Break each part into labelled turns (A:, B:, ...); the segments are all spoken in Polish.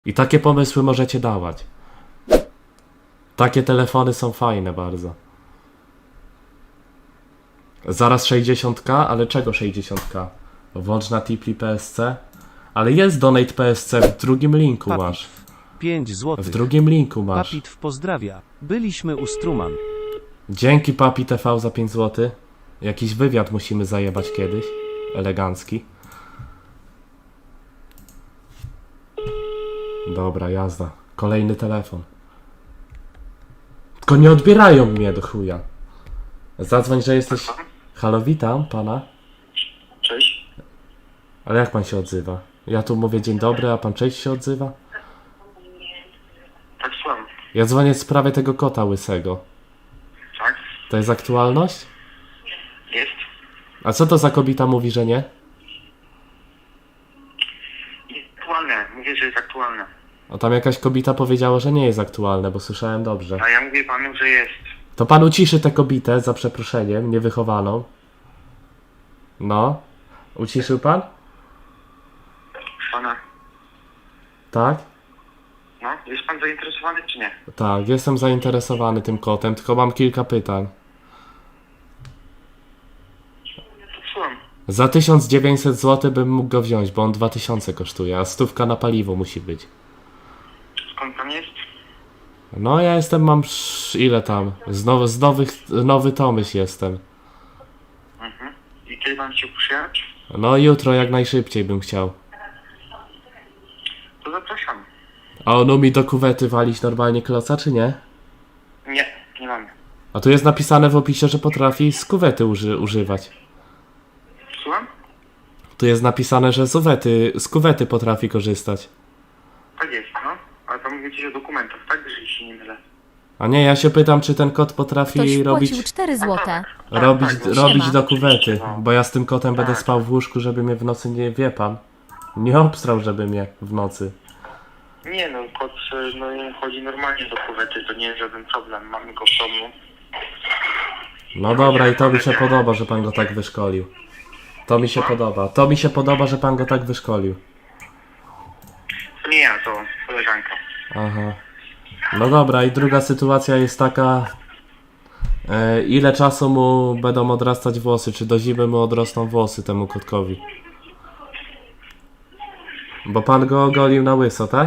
A: I takie pomysły możecie dawać. Takie telefony są fajne bardzo. Zaraz 60k, ale czego 60k? Włącz na Tipli PSC? Ale jest Donate PSC, w drugim linku masz.
B: 5 zł.
A: W drugim linku masz.
B: Papit pozdrawia. Byliśmy u Struman.
A: Dzięki Papi TV za 5 zł. Jakiś wywiad musimy zajebać kiedyś. Elegancki. Dobra, jazda. Kolejny telefon. Tylko nie odbierają mnie do chuja. Zadzwoń, że jesteś... Halo, witam pana.
C: Cześć.
A: Ale jak pan się odzywa? Ja tu mówię dzień dobry, a pan cześć się odzywa?
C: Tak, słucham.
A: Ja dzwonię w sprawie tego kota łysego.
C: Tak?
A: To jest aktualność?
C: Jest.
A: A co to za kobieta mówi, że nie?
C: Jest aktualne. Mówię, że jest aktualne.
A: O, tam jakaś kobieta powiedziała, że nie jest aktualne, bo słyszałem dobrze.
C: A ja mówię panu, że jest.
A: To pan uciszy tę kobietę, za przeproszeniem, niewychowaną. No. Uciszył pan?
C: Pana.
A: Tak?
C: No, jest pan zainteresowany czy nie?
A: Tak, jestem zainteresowany tym kotem, tylko mam kilka pytań.
C: To słucham.
A: Za 1900 zł bym mógł go wziąć, bo on 2000 kosztuje, a 100 na paliwo musi być.
C: Skąd pan jest?
A: No ja jestem, mam ile tam? Nowy Tomyśl jestem.
C: Mhm. I kiedy pan chciał przyjechać?
A: No jutro jak najszybciej bym chciał.
C: To zapraszam.
A: A on umie do kuwety walić normalnie kloca, czy nie?
C: Nie, nie mamy.
A: A tu jest napisane w opisie, że potrafi z kuwety używać.
C: Słucham?
A: Tu jest napisane, że z kuwety potrafi korzystać.
C: Tak jest, no. Ale pan mówi coś o dokumentach, tak? Jeżeli się nie mylę.
A: A nie, ja się pytam, czy ten kot potrafi
D: Ktoś
A: robić
D: wpłacił 4 złote.
A: robić
D: Siema.
A: do kuwety, bo ja z tym kotem będę spał w łóżku, żeby mnie w nocy nie, wie pan, nie obstrał, żeby mnie w nocy.
C: Nie no, kot no, chodzi normalnie do kuwety, to nie jest żaden problem. Mamy go w domu.
A: No dobra, i to mi się podoba, że pan go tak wyszkolił. To mi się podoba. To mi się podoba, że pan go tak wyszkolił.
C: To nie ja, to koleżanka.
A: Aha. No dobra, i druga sytuacja jest taka... ile czasu mu będą odrastać włosy? Czy do zimy mu odrosną włosy temu kotkowi? Bo pan go ogolił na łyso, tak?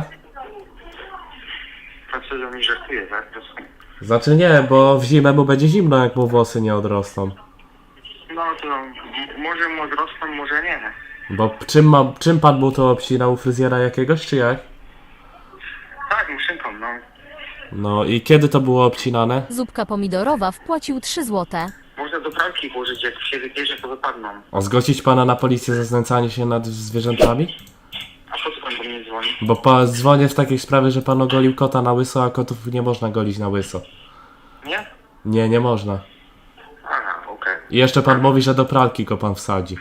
C: Pan sobie ze mnie żartuje, tak?
A: Znaczy nie, bo w zimę mu będzie zimno, jak mu włosy nie odrosną.
C: No to może mu odrosną, może nie.
A: Bo czym pan mu to obcinał? U fryzjera jakiegoś, czy jak?
C: Tak, muszynką, no.
A: No i kiedy to było obcinane?
D: Zupka pomidorowa wpłacił 3 złote.
C: Można do pralki włożyć, jak się wybierze, to wypadną.
A: A zgłosić pana na policję za znęcanie się nad zwierzętami?
C: A po co pan do mnie dzwoni?
A: Bo dzwonię w takiej sprawie, że pan ogolił kota na łyso, a kotów nie można golić na łyso.
C: Nie?
A: Nie, nie można.
C: Aha, okej.
A: I jeszcze pan mówi, że do pralki go pan wsadzi.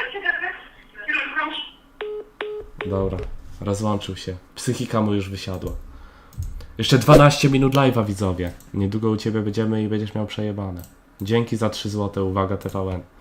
A: Dobra, rozłączył się. Psychika mu już wysiadła. Jeszcze 12 minut live'a, widzowie. Niedługo u ciebie będziemy i będziesz miał przejebane. Dzięki za 3 zł, uwaga TVN.